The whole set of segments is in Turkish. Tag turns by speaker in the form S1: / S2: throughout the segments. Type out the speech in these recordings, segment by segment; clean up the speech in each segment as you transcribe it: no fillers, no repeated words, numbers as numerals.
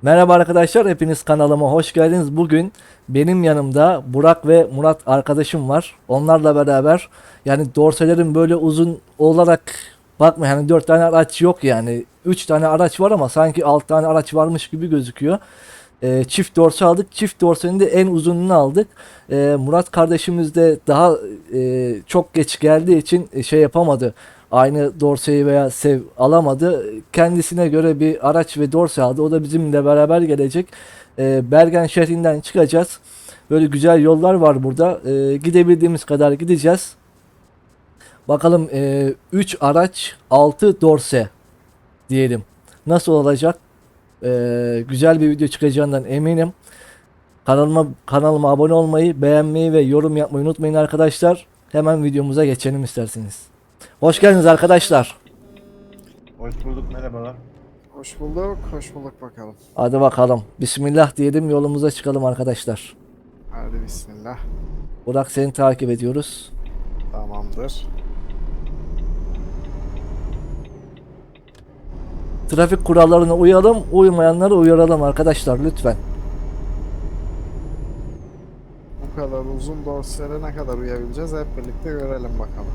S1: Merhaba arkadaşlar, hepiniz kanalıma hoş geldiniz. Bugün benim yanımda Burak ve Murat arkadaşım var. Onlarla beraber yani dorselerin böyle uzun olarak bakma yani 4 tane araç yok yani. 3 tane araç var ama sanki 6 tane araç varmış gibi gözüküyor. Çift dorse aldık. Çift dorsenin de en uzununu aldık. Murat kardeşimiz de daha çok geç geldiği için şey yapamadı. Aynı dorseyi veya sev alamadı. Kendisine göre bir araç ve dorse aldı. O da bizimle beraber gelecek. Bergen şehrinden çıkacağız. Böyle güzel yollar var burada. Gidebildiğimiz kadar gideceğiz. Bakalım 3 araç 6 dorse diyelim. Nasıl olacak? Güzel bir video çıkacağından eminim. Kanalıma abone olmayı, beğenmeyi ve yorum yapmayı unutmayın arkadaşlar. Hemen videomuza geçelim isterseniz. Hoş geldiniz arkadaşlar.
S2: Hoş bulduk, merhabalar.
S3: Hoş bulduk, hoş bulduk bakalım.
S1: Hadi bakalım. Bismillah diyelim, yolumuza çıkalım arkadaşlar.
S3: Hadi bismillah.
S1: Burak, seni takip ediyoruz.
S3: Tamamdır.
S1: Trafik kurallarına uyalım, uymayanları uyaralım arkadaşlar lütfen.
S3: Bu kadar uzun dorselere ne kadar uyabileceğiz hep birlikte görelim bakalım.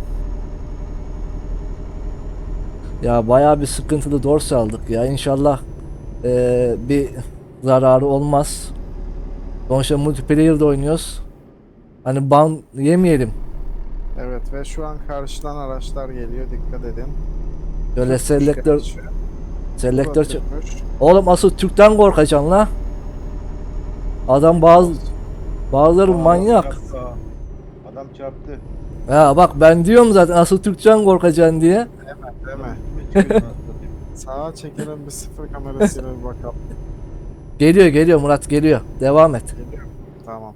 S1: Ya bayağı bir sıkıntılı dorse aldık ya. İnşallah bir zararı olmaz. Sonuçta multiplayer'da oynuyoruz. Hani ban yemeyelim.
S3: Evet ve şu an karşıdan araçlar geliyor, dikkat edin.
S1: Böyle
S3: Türkmüş
S1: selektör
S3: gerçi. Bu da
S1: selektör
S3: Türkmüş.
S1: Oğlum asıl Türk'ten korkacaksın la. Adam bazıları manyak.
S2: Çarptı. Adam çarptı.
S1: Ya bak ben diyorum zaten asıl Türk'ten korkacaksın diye.
S3: Değil mi?
S2: Önüme çıkıyor, nasıl satayım.
S3: Sağa çekelim bir sıfır kamerasıyla bir bakalım.
S1: Geliyor Murat geliyor. Devam et.
S3: Geliyor mu? Tamam.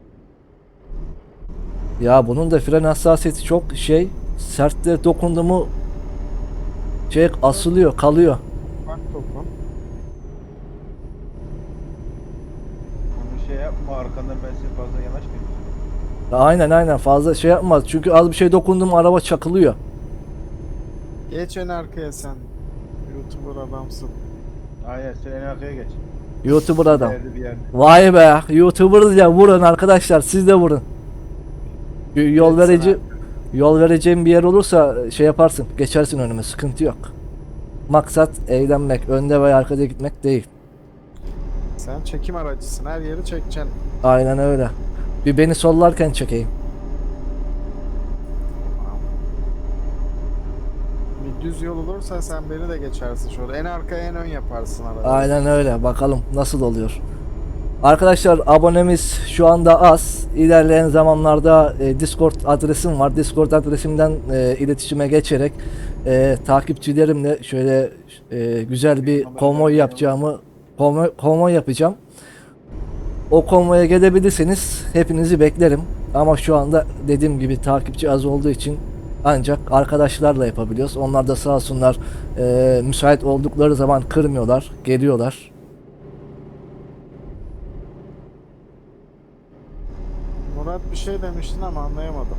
S1: Ya bunun da fren hassasiyeti çok şey. Sertte dokundu mu şey asılıyor, kalıyor.
S3: Bak dokun.
S2: Onu şey yapma, arkandan ben size fazla yanaşmayayım.
S1: Ya aynen fazla şey yapmaz. Çünkü az bir şey dokundu mu araba çakılıyor.
S3: Geç en arkaya sen. YouTuber adamsın.
S2: Aynen, sen en arkaya geç.
S1: YouTuber adam.
S2: Bir yerde.
S1: Vay be, YouTuber ya, vurun arkadaşlar, siz de vurun. Yol
S3: Geç sen
S1: verici
S3: arkaya.
S1: yol vereceğim bir yer olursa şey yaparsın, geçersin önüme, sıkıntı yok. Maksat eğlenmek, önde veya arkada gitmek değil.
S3: Sen çekim aracısın, her yeri çekeceksin.
S1: Aynen öyle. Bir beni sollarken çekeyim.
S3: Bir düz yol olursa sen beni de geçersin şöyle. En arkaya en ön yaparsın arada.
S1: Aynen öyle. Bakalım nasıl oluyor. Arkadaşlar abonemiz şu anda az. İlerleyen zamanlarda Discord adresim var. Discord adresimden iletişime geçerek takipçilerimle şöyle güzel bir konvoy yapacağımı konvoy yapacağım. O konvoya gelebilirseniz hepinizi beklerim. Ama şu anda dediğim gibi takipçi az olduğu için ancak arkadaşlarla yapabiliyoruz. Onlar da sağ olsunlar müsait oldukları zaman kırmıyorlar, geliyorlar.
S3: Murat bir şey demiştin ama anlayamadım.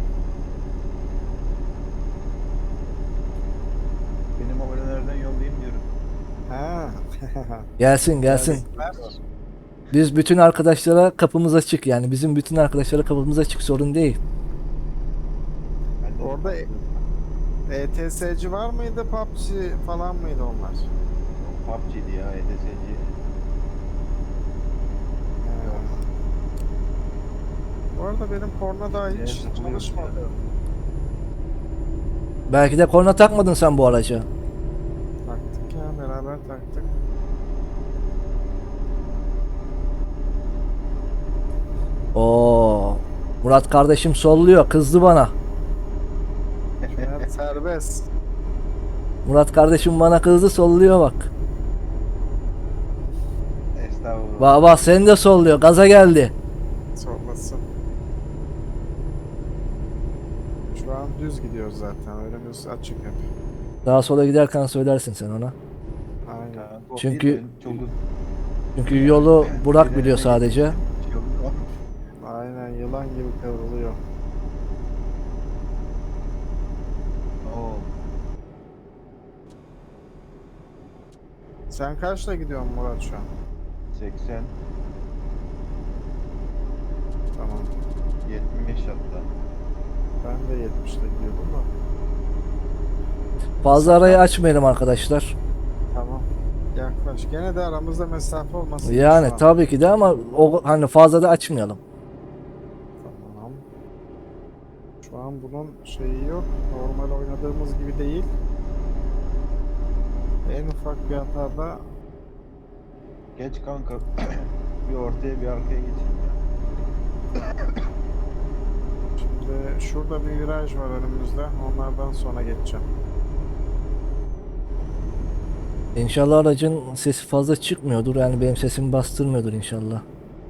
S2: Benim abonelerden yollayayım diyorum.
S3: Ha.
S1: Gelsin.
S3: Gelsinler.
S1: Biz bütün arkadaşlara kapımız açık, yani bizim bütün arkadaşlara kapımız açık, sorun değil.
S2: Ben de
S3: Orada ETS'ci var mıydı, PUBG falan mıydı onlar?
S2: PUBG'di ya, ETS'ci.
S3: Bu arada benim korna daha hiç
S2: Evet, sıkılıyor.
S3: çalışmadı.
S1: Belki de korna takmadın sen bu araca.
S3: Taktık ya, beraber taktık.
S1: Oo, Murat kardeşim solluyor, kızdı bana.
S3: Evet, serbest.
S1: Murat kardeşim bana kızdı, solluyor bak.
S2: Estağfurullah.
S1: Baba sen de solluyor, gaza geldi.
S3: Sormasın. Şu an düz gidiyoruz zaten. Önümüz açık hep.
S1: Daha sola giderken söylersin sen ona.
S3: Aynen.
S2: Ha, bu
S1: Çünkü-
S2: değil, çok uzun.
S1: Çünkü yolu Burak biliyor sadece.
S2: Yolu-
S3: Aynen, yılan gibi kıvrılıyor.
S2: Oo.
S3: Sen kaçla gidiyorsun Murat şu an?
S2: 80,
S3: Tamam.
S2: 70 hatta.
S3: Ben de 70'te gidiyordum da.
S1: Fazla arayı açmayalım arkadaşlar.
S3: Tamam. Yaklaş. Gene de aramızda mesafe olmasın.
S1: Yani
S3: şu an.
S1: tabii ki de ama o hani fazla da açmayalım.
S3: Tamam. Şu an bunun şeyi yok. Normal oynadığımız gibi değil. En ufak bir hatada
S2: Geç kanka. Bir ortaya bir arkaya geçeyim ya.
S3: şimdi şurada bir viraj var önümüzde. Onlardan sonra geçeceğim.
S1: İnşallah aracın sesi fazla çıkmıyordur. Yani benim sesimi bastırmıyordur inşallah.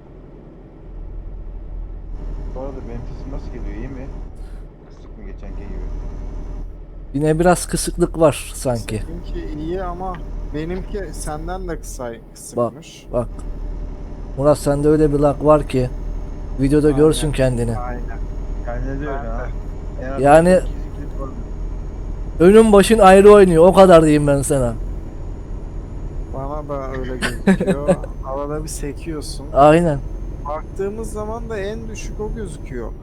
S2: Bu arada benim sesim nasıl geliyor, iyi mi? Kısık mı geçenki gibi?
S1: Yine biraz kısıklık var sanki.
S3: Benimki iyi ama benimki senden de kısıkmış.
S1: Bak. Murat sende öyle bir lag var ki videoda
S3: Aynen.
S1: görsün kendini.
S3: Aynen.
S2: Kendine de öyle
S3: Ben de.
S2: ha. En az
S1: Yani-
S2: 2 var.
S1: Önün başın ayrı oynuyor. O kadar diyeyim ben sana.
S3: Bana da öyle gözüküyor. Arada bir sekiyorsun.
S1: Aynen.
S3: Baktığımız zaman da en düşük o gözüküyor.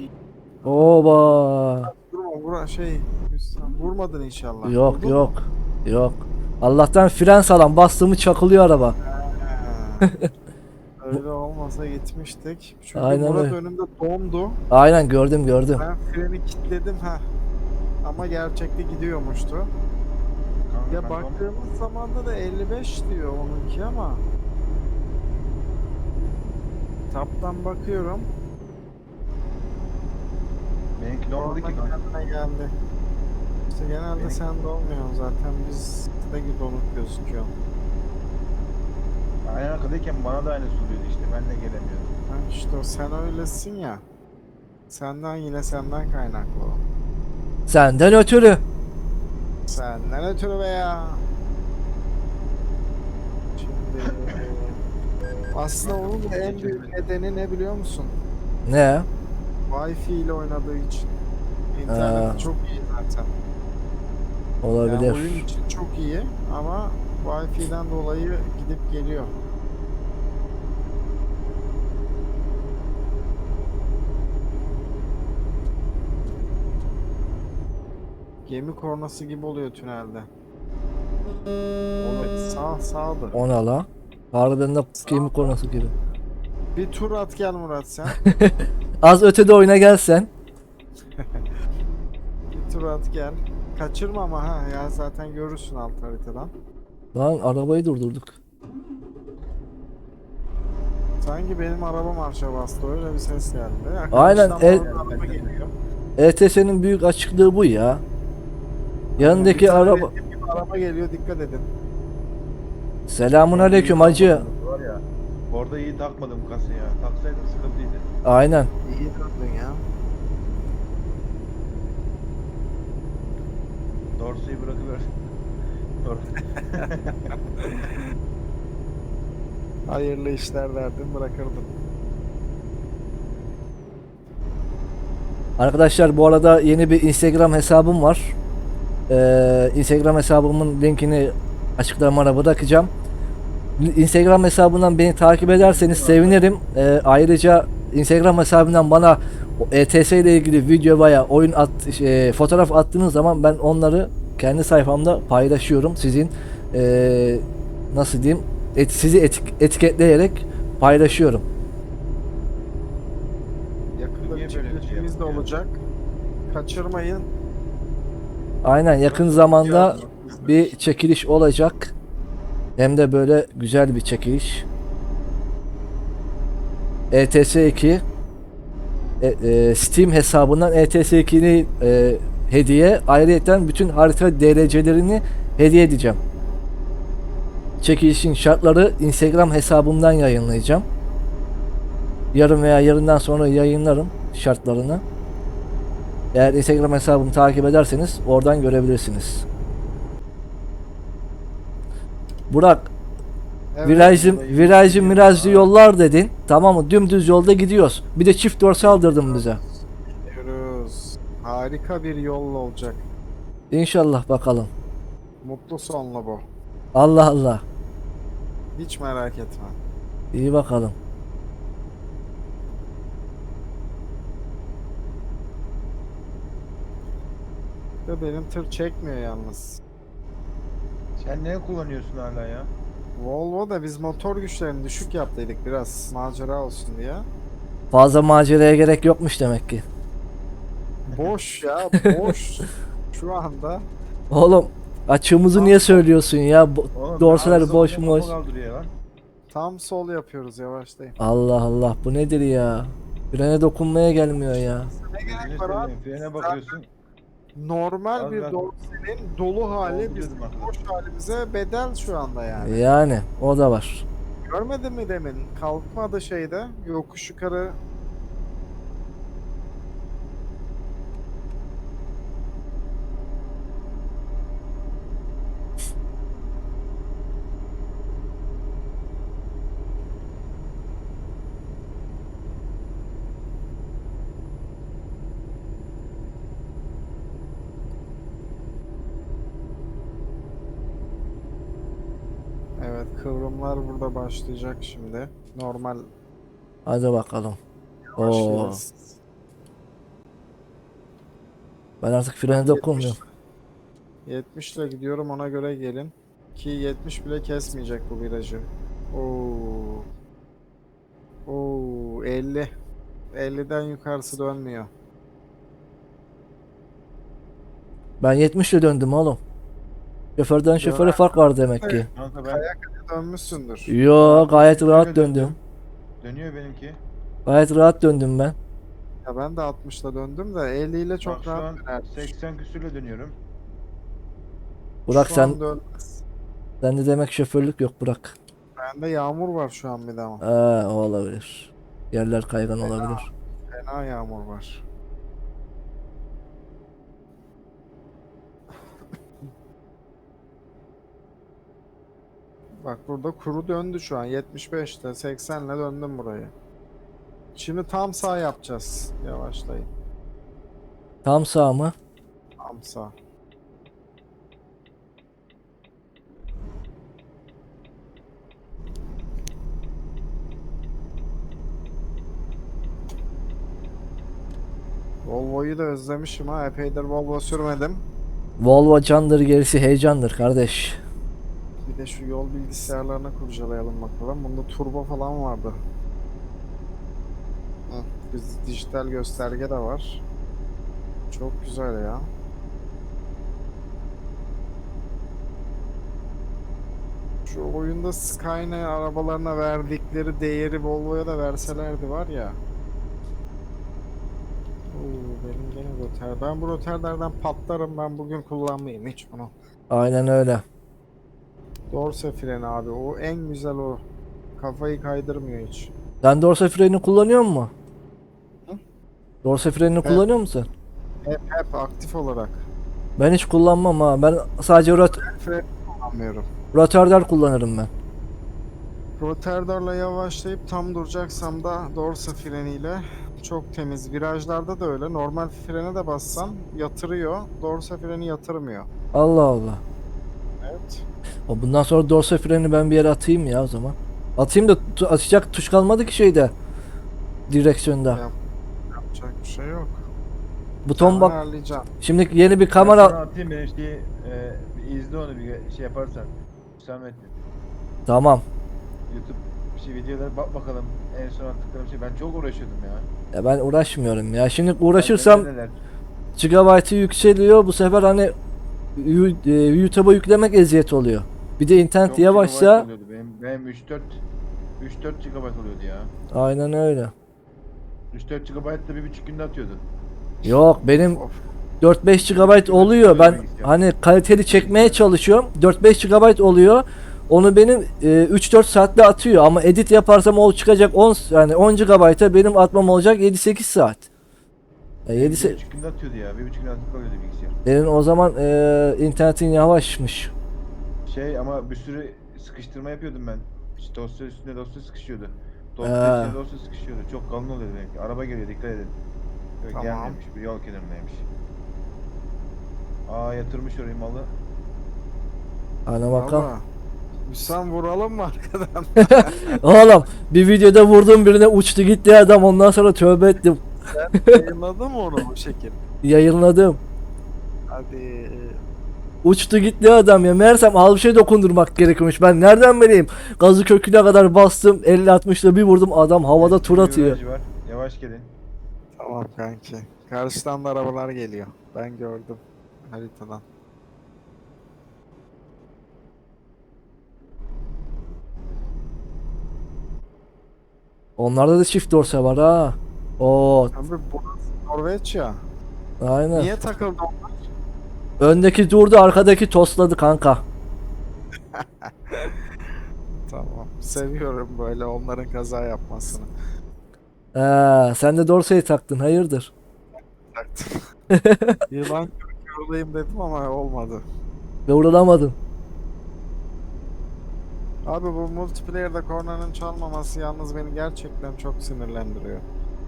S1: Oba.
S3: Vurmadın inşallah.
S1: Yok
S3: Vurdun
S1: yok.
S3: mu?
S1: Yok. Allah'tan fren sağlam. Bastığımı çakılıyor araba.
S3: Ha. Öyle olmasa gitmiştik. Çünkü
S1: Aynen
S3: Murat
S1: öyle.
S3: önümde dondu.
S1: Aynen gördüm.
S3: Ben freni kilitledim ha. Ama gerçekte gidiyormuştu.
S2: Kanka,
S3: Ya
S2: ben
S3: baktığımız zamanda da 55 diyor onunki ama. Taptan bakıyorum.
S2: benimki ne olmadı ki
S3: Orada
S2: kanka?
S3: kendine geldi. İşte genelde
S2: Benim-
S3: sende olmuyor zaten biz de donuk gözüküyor.
S2: Aynen arkadayken bana da aynı oluyordu işte, ben de gelemiyordum.
S3: Ha işte o sen öylesin ya. Senden kaynaklı o.
S1: Senden ötürü.
S3: Senden ötürü be ya. Şimdi aslında onun da en büyük nedeni ne biliyor musun?
S1: Ne?
S3: Wi-Fi ile oynadığı için. İnternet
S1: Ha.
S3: çok iyi zaten.
S1: Olabilir.
S3: Yani oyun için çok iyi ama Wi-Fi'den dolayı gidip geliyor. Gemi kornası gibi oluyor tünelde. Evet, sağdır.
S1: O ne la? Harbiden de gemi konusu gibi.
S3: Bir tur at gel Murat sen.
S1: Az ötede oyuna gelsen.
S3: Bir tur at gel. Kaçırma ama ha ya zaten görürsün alt haritadan.
S1: Lan arabayı durdurduk.
S3: Sanki benim araba marşa bastı öyle bir ses geldi.
S1: Aynen,
S3: Arkadaştan bana araba geliyor.
S1: ETS'nin büyük açıklığı bu ya. Yanındaki
S3: Bir tane
S1: araba.
S3: bir araba geliyor dikkat edin.
S1: Selamun aleyküm hacı.
S2: Var ya. Orada iyi takmadım kasaya. Taksaydım sıkıntıydı.
S1: Aynen.
S3: İyi döndün ya.
S2: Dorsuyu bırakıver. Doğru.
S3: Hayırlı işler derdim bırakırdım.
S1: Arkadaşlar bu arada yeni bir Instagram hesabım var. Instagram hesabımın linkini açıklamaya bırakacağım. Instagram hesabından beni takip ederseniz sevinirim. Ayrıca Instagram hesabından bana ETS ile ilgili video veya oyun fotoğraf attığınız zaman ben onları kendi sayfamda paylaşıyorum. Sizin nasıl diyeyim sizi etiketleyerek paylaşıyorum.
S3: Yakında
S2: Niye
S3: bir
S2: böyle bir şey
S3: çekilişimiz de
S2: yaptın ya?
S3: olacak. Kaçırmayın.
S1: Aynen yakın zamanda bir çekiliş olacak. Hem de böyle güzel bir çekiliş. ETS 2 Steam hesabından ETS 2'ni hediye. Ayrıca bütün harita DLC'lerini hediye edeceğim. Çekilişin şartları Instagram hesabımdan yayınlayacağım. Yarın veya yarından sonra yayınlarım şartlarını. Eğer Instagram hesabımı takip ederseniz oradan görebilirsiniz. Burak,
S3: Evet,
S1: virajlı yollar dedin. Tamam mı? Dümdüz yolda gidiyoruz. Bir de çift dorsal aldırdın bize.
S3: gidiyoruz. Harika bir yol olacak.
S1: İnşallah bakalım.
S3: Mutlu sonlu bu.
S1: Allah Allah.
S3: Hiç merak etme.
S1: İyi bakalım.
S3: Ve benim tır çekmiyor yalnız.
S2: Sen ne kullanıyorsun hala ya?
S3: Volvo da biz motor güçlerini düşük yaptıydık biraz macera olsun diye.
S1: Fazla maceraya gerek yokmuş demek ki.
S3: Boş ya boş. Şu anda
S1: Oğlum açığımızı niye söylüyorsun ya?
S2: Oğlum,
S1: Dorseler
S2: arıza
S1: boş
S2: bunu
S1: boş.
S2: kafa kaldırıyor lan.
S3: tam sol yapıyoruz yavaşlayın.
S1: Allah Allah, bu nedir ya? Frene dokunmaya gelmiyor ya.
S3: Ne
S2: Gözünü
S3: gerek var abi?
S2: seveyim, frene bakıyorsun.
S3: Normal
S2: Az
S3: bir
S2: ben-
S3: dorsenin dolu hali
S2: Doldu
S3: bizim
S2: dedim arkadaş.
S3: boş halimize bedel şu anda yani.
S1: Yani o da var.
S3: Görmedin mi demin? Kalkmadı şeyde. Yokuş yukarı. Evet, kıvrımlar burada başlayacak şimdi. Normal
S1: Hadi bakalım. Oo,
S3: başlıyoruz.
S1: ben artık frene dokunmuyorum.
S3: 70 ile gidiyorum, ona göre gelin. Ki 70 bile kesmeyecek bu virajı. Oo. Oo, 50. 50'den yukarısı dönmüyor.
S1: Ben 70 ile döndüm oğlum. Şoförden şoföre
S3: Döner.
S1: fark var demek ki.
S2: Kanka ben
S3: Kaya dönmüşsündür.
S1: Yo, gayet
S2: Şöyle
S1: rahat
S2: döndüm.
S1: döndüm.
S2: Dönüyor benimki.
S1: Gayet rahat döndüm ben.
S3: Ya ben de 60 ile döndüm de 50 ile
S2: Bak
S3: çok
S2: şu
S3: rahat
S2: an
S3: döner.
S2: 80 küsürle dönüyorum.
S1: Burak
S3: Şu an
S1: sen
S3: dönmez.
S1: sende demek şoförlük yok Burak.
S3: Bende yağmur var şu an bir de ama.
S1: O olabilir. Yerler kaygan olabilir.
S3: Fena yağmur var. Bak burada kuru döndü şu an. 75'te 80'le döndüm burayı. Şimdi tam sağ yapacağız. Yavaşlayın.
S1: Tam sağ mı?
S3: Tam sağ. Volvo'yu da özlemişim ha. Epeydir Volvo sürmedim.
S1: Volvo candır, gerisi heyecandır kardeş.
S3: Bir de şu yol bilgisayarlarını kurcalayalım bakalım. Bunda turbo falan vardı. Hı, biz dijital gösterge de var. Çok güzel ya. Şu oyunda Skyline arabalarına verdikleri değeri Volvo'ya da verselerdi var ya. Oo, benim gene roter. Ben bu roterlerden patlarım. Ben bugün kullanmayayım hiç bunu.
S1: Aynen öyle.
S3: Dorse freni abi. O en güzel o. Kafayı kaydırmıyor hiç.
S1: Sen dorse freni kullanıyor musun?
S3: Hı?
S1: Dorse frenini kullanıyor musun?
S3: Hep aktif olarak.
S1: Ben hiç kullanmam ha. Ben sadece
S3: Fren kullanmıyorum.
S1: rotörler kullanırım ben.
S3: Rotarlarla yavaşlayıp tam duracaksam da dorse freniyle çok temiz. Virajlarda da öyle. Normal frene de bassam yatırıyor. Dorse freni yatırmıyor.
S1: Allah Allah.
S3: Evet.
S1: Bundan sonra dorse freni ben bir yere atayım ya o zaman. Atayım da atacak tuş kalmadı ki şeyde. Direksiyonda.
S3: Yap- Yapacak bir şey yok.
S1: Buton
S3: Sen
S1: bak.
S3: ayarlayacaksın.
S1: Şimdi yeni bir
S2: Ben sana
S1: kamera.
S2: atayım ben işte bir izle onu bir şey yaparsan. Hüsamettin.
S1: Tamam.
S2: YouTube bir şey videolara bak bakalım. En son attıklarım şey. Ben çok uğraşıyordum ya.
S1: Ya ben uğraşmıyorum ya. Şimdi uğraşırsam
S2: Neler?
S1: gigabaytı yükseliyor. Bu sefer hani YouTube'a yüklemek eziyet oluyor. Bir de internet
S2: Çok
S1: yavaşsa
S2: GB oluyordu. Benim 3-4 GB oluyordu ya.
S1: aynen öyle.
S2: 3-4 GB da 1,5 günde atıyordu.
S1: Yok benim
S3: Of.
S1: 4-5 GB oluyor. Ben hani kaliteli çekmeye çalışıyorum. 4-5 GB oluyor. Onu benim 3-4 saatte atıyor ama edit yaparsam o çıkacak 10 yani 10 GB'a benim atmam olacak 7-8 saat. 7
S2: 1,5 günde atıyordu ya. 1,5 günde atıp kalıyordu bilgisayar.
S1: Senin o zaman internetin yavaşmış.
S2: Şey ama bir sürü sıkıştırma yapıyordum ben. İşte dosya üstüne dosya sıkışıyordu.
S1: Ee.
S2: Dosya üstüne dosya sıkışıyordu. Çok kalın oluyordu benimki. Araba geliyor dikkat edin. Yok
S3: Tamam.
S2: gelmiyormuş. Bir yol kenarındaymış. Aa yatırmış orayı malı.
S1: Ana bakalım.
S3: Valla Müsam vuralım mı arkadan?
S1: Oğlum bir videoda vurdum birine uçtu gitti adam ondan sonra tövbe ettim.
S3: Yayınladın mı onu bu şekil?
S1: Yayınladım.
S3: Hadi.
S1: Uçtu gitti adam ya. Meğersem al bir şey dokundurmak gerekiyormuş. Ben nereden bileyim? Gazı köküne kadar bastım. 50-60'la bir vurdum adam havada tur
S2: Bir
S1: atıyor.
S2: viraj var. Yavaş gelin.
S3: Tamam kanki. Karşıdan da arabalar geliyor. Ben gördüm haritadan.
S1: Onlarda da çift dorse var ha. Oo,
S3: Abi burası Norveç ya.
S1: aynen.
S3: Niye takıldı onlar?
S1: Öndeki durdu, arkadaki tosladı kanka.
S3: Tamam. Seviyorum böyle onların kaza yapmasını.
S1: Sen de dorseyi taktın, hayırdır?
S3: Taktım. Yılan yorulayım dedim ama olmadı.
S1: Ve vurulamadın.
S3: Abi bu multiplayer'da kornanın çalmaması yalnız beni gerçekten çok sinirlendiriyor.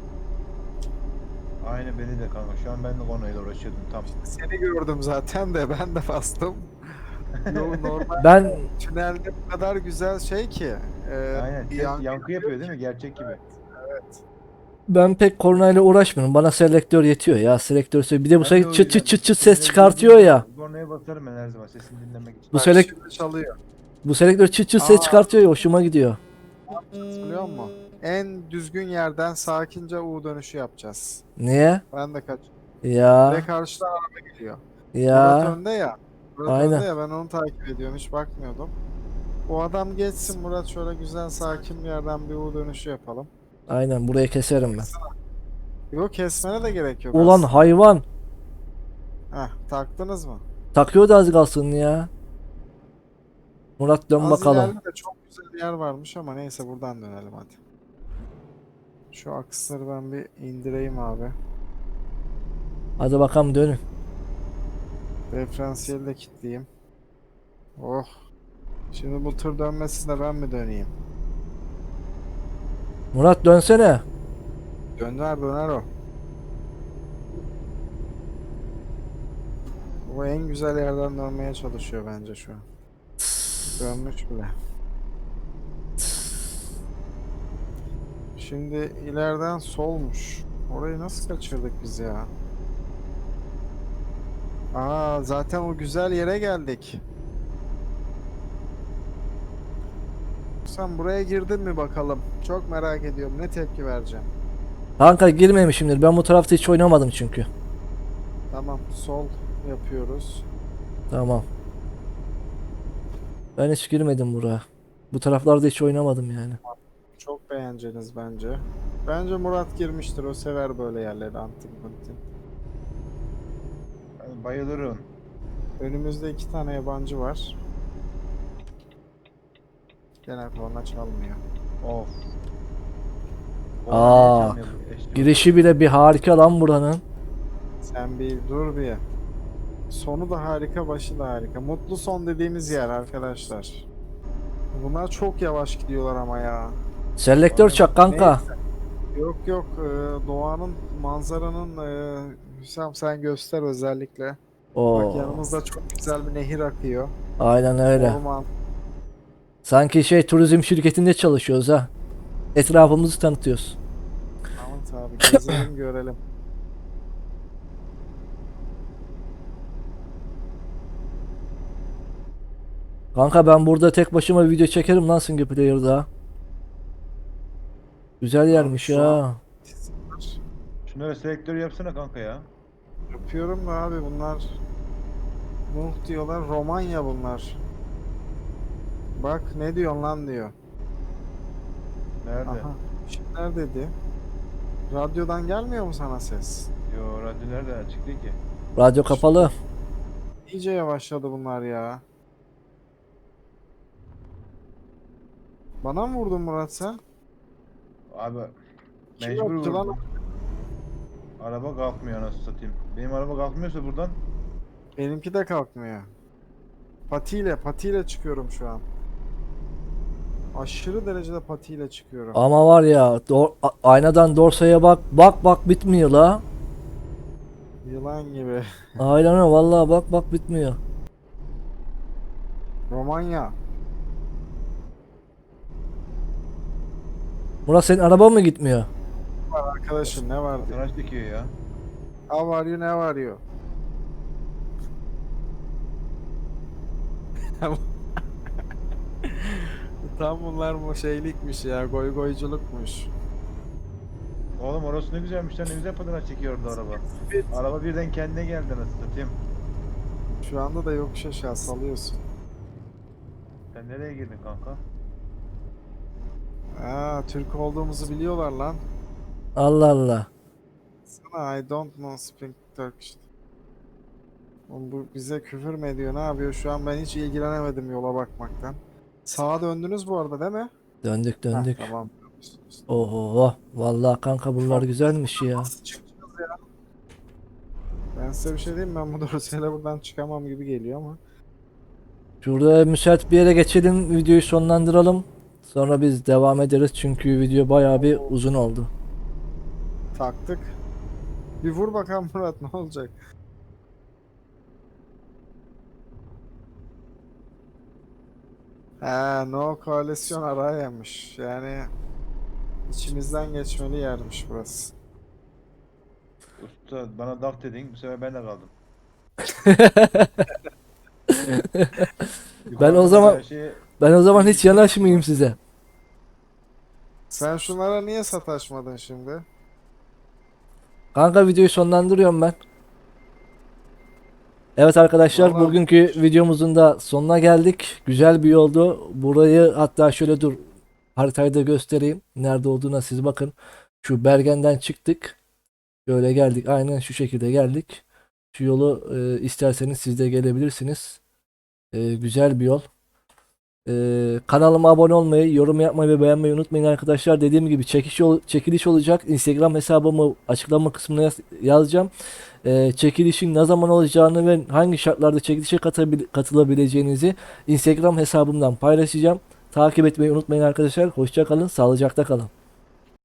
S2: Aynı beni de kanka. Şu an ben de konuyla uğraşıyordum tam.
S3: Seni gördüm zaten de ben de bastım. Yol normal
S1: Ben
S3: tünelde bu kadar güzel şey ki.
S2: Aynen. Ses yankı yapıyor değil mi? Gerçek gibi.
S1: ben pek kornayla uğraşmıyorum. Bana selektör yetiyor ya. Selektör bir de bu
S2: Ben de
S1: sefer
S2: o
S1: çıt çıt
S2: yüzden
S1: çıt çıt ses
S2: seni
S1: çıkartıyor
S2: duyduğum
S1: ya.
S2: Kornaya basarım ben her zaman sesini dinlemek için.
S1: Bu
S3: Bak
S1: selek
S3: şimdi çalıyor.
S1: bu selektör çıt çıt ses
S3: Aa.
S1: çıkartıyor ya, hoşuma gidiyor.
S3: Ne yapacağız biliyor musun? En düzgün yerden sakince U dönüşü yapacağız.
S1: Niye?
S3: Ben de kaç.
S1: Ya
S3: Ve karşıdan araba geliyor. Murat
S1: ya
S3: önde ya. Murat
S1: Aynen.
S3: önde ya ben onu takip ediyorum hiç bakmıyordum. O adam geçsin Murat şöyle güzel sakin bir yerden bir U dönüşü yapalım.
S1: aynen, burayı keserim ben.
S3: Yok kesmene de gerek yok
S1: Ulan
S3: aslında.
S1: hayvan.
S3: Heh, taktınız mı?
S1: Takıyordu az kalsın ya. Murat dön
S3: Az
S1: bakalım.
S3: ileride de çok güzel bir yer varmış ama neyse buradan dönelim hadi. Şu aksları ben bir indireyim abi.
S1: Hadi bakalım dönün.
S3: Diferansiyeli de kilitleyeyim. Oh. Şimdi bu tır dönmesine ben mi döneyim?
S1: Murat dönsene.
S3: Döner döner o. O en güzel yerden dönmeye çalışıyor bence şu an. Dönmüş bile. Şimdi ileriden solmuş. Orayı nasıl kaçırdık biz ya? Aa zaten o güzel yere geldik. Sen buraya girdin mi bakalım? Çok merak ediyorum. Ne tepki vereceğim?
S1: Kanka girmemişimdir. Ben bu tarafta hiç oynamadım çünkü.
S3: Tamam, sol yapıyoruz.
S1: Tamam. Ben hiç girmedim buraya. Bu taraflarda hiç oynamadım yani.
S3: Çok beğeneceğiniz bence. Bence Murat girmiştir. O sever böyle yerleri antik kuntik.
S2: Ben bayılırım.
S3: Önümüzde 2 tane yabancı var. Gene korna çalmıyor.
S2: Of.
S1: Aa,
S2: Niye çalmıyor bu eşlik?
S1: Girişi bile bir harika lan buranın.
S3: Sen bir dur bir. Sonu da harika, başı da harika. Mutlu son dediğimiz yer arkadaşlar. Bunlar çok yavaş gidiyorlar ama ya.
S1: Selektör çak kanka.
S3: Yok yok doğanın manzaranın Hüsam sen göster özellikle. Bak
S1: Oo,
S3: yanımızda çok güzel bir nehir akıyor.
S1: aynen öyle.
S3: Orman.
S1: Sanki şey turizm şirketinde çalışıyoruz ha. Etrafımızı tanıtıyoruz.
S3: Tamam abi gezelim görelim.
S1: Kanka ben burada tek başıma video çekerim lan single player'da. Güzel yermiş
S3: şu an-
S1: ya.
S2: Şunlara selektör yapsana kanka ya.
S3: Yapıyorum da abi bunlar Nuh diyorlar Romanya bunlar. Bak ne diyorsun lan diyor.
S2: Nerede?
S3: Aha. Kimler dedi? Radyodan gelmiyor mu sana ses?
S2: Yo radyo nerede açık değil ki.
S1: Radyo kapalı.
S3: İyice yavaşladı bunlar ya. Bana mı vurdun Murat sen?
S2: Abi
S3: Kim
S2: mecbur
S3: yaptı lan?
S2: vurdum. Araba kalkmıyor nasıl satayım. Benim araba kalkmıyorsa buradan
S3: Benimki de kalkmıyor. Patiyle çıkıyorum şu an. Aşırı derecede patiyle çıkıyorum.
S1: Ama var ya aynadan dorsaya bak. Bak bak bitmiyor la.
S3: Yılan gibi.
S1: Aynen öyle vallahi bak bak bitmiyor.
S3: Romanya.
S1: Murat senin araba mı gitmiyor?
S3: Arkadaşım ne var diye.
S2: Tıraş dikiyor ya.
S3: How are you, ne var you? Tam bunlar bu şeylikmiş ya, goy goyculukmuş.
S2: Oğlum orası ne güzelmiş lan, ne güzel patinaj çekiyordu araba. Araba birden kendine geldi nasıl satayım.
S3: Şu anda da yokuş aşağı salıyorsun.
S2: Sen nereye girdin kanka?
S3: Aa, Türk olduğumuzu biliyorlar lan.
S1: Allah Allah.
S3: Sana I don't know speak Turkish. Oğlum bu bize küfür mü ediyor, ne yapıyor? Şu an ben hiç ilgilenemedim yola bakmaktan. Sağa döndünüz bu arada değil mi?
S1: Döndük
S3: Heh,
S1: döndük.
S3: tamam.
S1: Oho. Vallahi kanka bunlar güzelmiş ya.
S3: Nasıl çıkacağız ya? Ben size bir şey diyeyim mi? Ben bu dorseyle buradan çıkamam gibi geliyor ama.
S1: Şurada müsait bir yere geçelim. Videoyu sonlandıralım. Sonra biz devam ederiz. Çünkü video bayağı bir uzun oldu.
S3: Taktık. Bir vur bakalım Murat, ne olacak? No koalisyon araymış. Yani içimizden geçmeli yermiş burası.
S2: Usta bana dak dedin, bu sefer ben de kaldım.
S1: Ben o zaman
S2: Her şeyi
S1: ben o zaman hiç yanaşmayayım size.
S3: Sen şunlara niye sataşmadın şimdi?
S1: Kanka videoyu sonlandırıyorum ben. Evet arkadaşlar,
S3: Vallahi-
S1: bugünkü videomuzun da sonuna geldik. Güzel bir yoldu. Burayı hatta şöyle dur, haritayı da göstereyim. Nerede olduğuna siz bakın. Şu Bergen'den çıktık. Böyle geldik. Aynen şu şekilde geldik. Şu yolu isterseniz siz de gelebilirsiniz. Güzel bir yol. Kanalıma abone olmayı, yorum yapmayı ve beğenmeyi unutmayın arkadaşlar. Dediğim gibi çekiliş olacak. Instagram hesabımı açıklama kısmına yazacağım. Çekilişin ne zaman olacağını ve hangi şartlarda çekilişe katılabileceğinizi Instagram hesabımdan paylaşacağım. Takip etmeyi unutmayın arkadaşlar. Hoşça kalın, sağlıcakla kalın.